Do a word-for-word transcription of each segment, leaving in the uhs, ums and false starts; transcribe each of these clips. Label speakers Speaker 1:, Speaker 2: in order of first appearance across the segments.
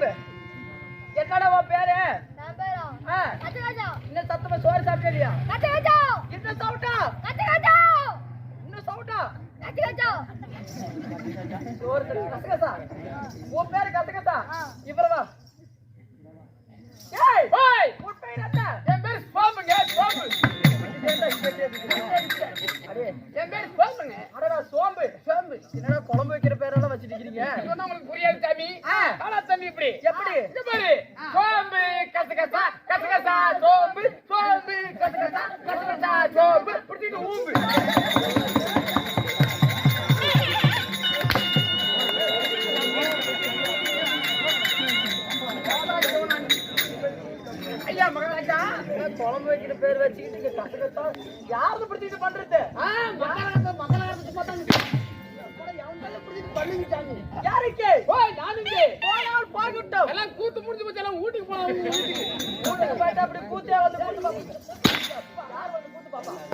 Speaker 1: சோம்பு. என்னடா உன் பேரு? இன்னும் சத்தமா சோறு சாப்பிட்டியா? இன்னும் சவுட்டா? இன்னும் சவுட்டா? சோறு கசகசா. உன் பேரு கசகசா. இவரவா? ஏய் ஓய் உன் பேர் என்ன? என் பேர் சோம்புங்க. சோம்பு. அடே என் பேர் சோம்புங்க. அடடா சோம்பு. சோம்பு. என்னடா குழம்பு வைக்கிற பேரெல்லாம் வச்சிட்டு இருக்கீங்க? சொன்னா உங்களுக்கு புரியாது சாமி. காலா சாமி இப்படி. எப்படி? இது பாரு. சோம்பு கசகசா கசகசா சோம்பு சோம்பு கசகசா கசகசா சோம்பு புடிச்சிட்டு ஊம்பு. ஐயா மகாராஜா குழம்பு வைக்கிற பேர் வச்சுக்கிட்டு கசகசா யாரு பிடிச்சிட்டு பண்றது? யாருக்கு? கூத்து முடிஞ்சு போச்சு எல்லாம் வீட்டுக்கு போனா வீட்டுக்கு போயிட்டு அப்படி கூத்தே வந்து கூத்து பாப்பா.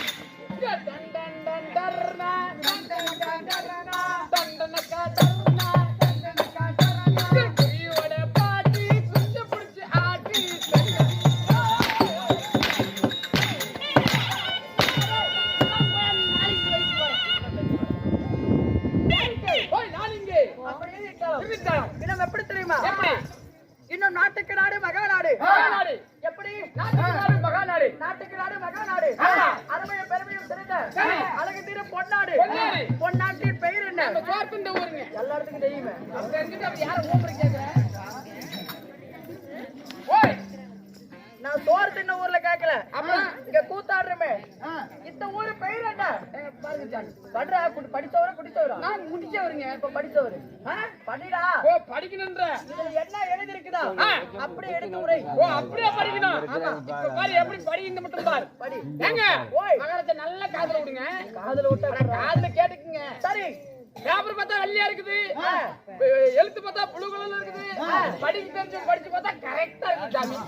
Speaker 1: எப்படி தெரியுமா? இன்னும் நாட்டுக்கு நாடு மகா நாடு. எப்படி? மகா நாடு. நாட்டுக்கு நாடு மகா நாடு. அருமையும் பெருமையும் தெரிந்த அழகு தீர பொன்னாடு. பொன்னாட்டின் பெயர் என்ன? எல்லாத்துக்கும் தெரியுமே. நான் சோறு தின்ன ஊர்ல கேட்கல. இங்க கூத்தாடுறமே இந்த ஊரு பெயர் என்ன? படுறா படிச்சவரா குடிச்சவரா? நான் முடிச்சவருங்க. இப்ப படிச்சவரு படிடா. ஓ படிக்கணும்ன்ற என்ன எழுதி இருக்குதா? அப்படியே எடுத்து உரை. ஓ அப்படியே படிக்கணும். இப்ப பாரு எப்படி படிக்கணும் மட்டும் பாரு. படி. ஏங்க ஓய் மகாராஜா நல்ல காதுல விடுங்க. காதுல விட்டா காதுல கேட்டுக்குங்க. சரி. பேப்பர் பார்த்தா வெள்ளையா இருக்குது. எழுத்து பார்த்தா ப்ளூ கலர்ல இருக்குது. படிக்க தெரிஞ்சு படிச்சு பார்த்தா கரெக்டா இருக்கு சாமி.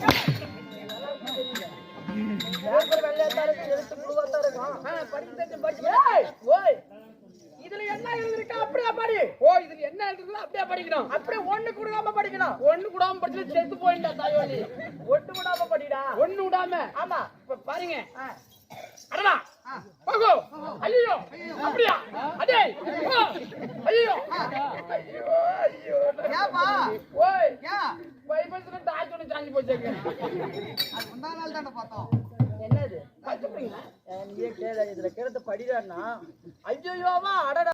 Speaker 1: பேப்பர் வெள்ளையா இருக்கு எழுத்து ப்ளூவா தான் இருக்கும். படிக்க தெரிஞ்சு படிச்சு ஏய் ஓய் இதுல என்ன எழுதிருக்கா அப்படியே படி. ஓ இதுல என்ன எழுதிருக்கோ அப்படியே படிக்கணும். அப்படியே ஒண்ணு கூடாம படிக்கணும். ஒண்ணு கூடாம படிச்சு செத்து போயிண்டா தாயோலி. ஒண்ணு கூடாம படிடா. ஒண்ணு விடாம. ஆமா இப்ப பாருங்க. அடடா போகோ. ஐயோ அப்படியா? அடே ஐயோ ஐயோ ஐயோ ஏப்பா ஓய் யா பைபிள்ல டாஜோட சாஞ்சி போச்சேங்க. அது முந்தா நாள் தான் பார்த்தோம். என்னது? பச்சைங்க. நீயே கேளு இதுல கேளு படிடான்னா ஐயோவா அடடா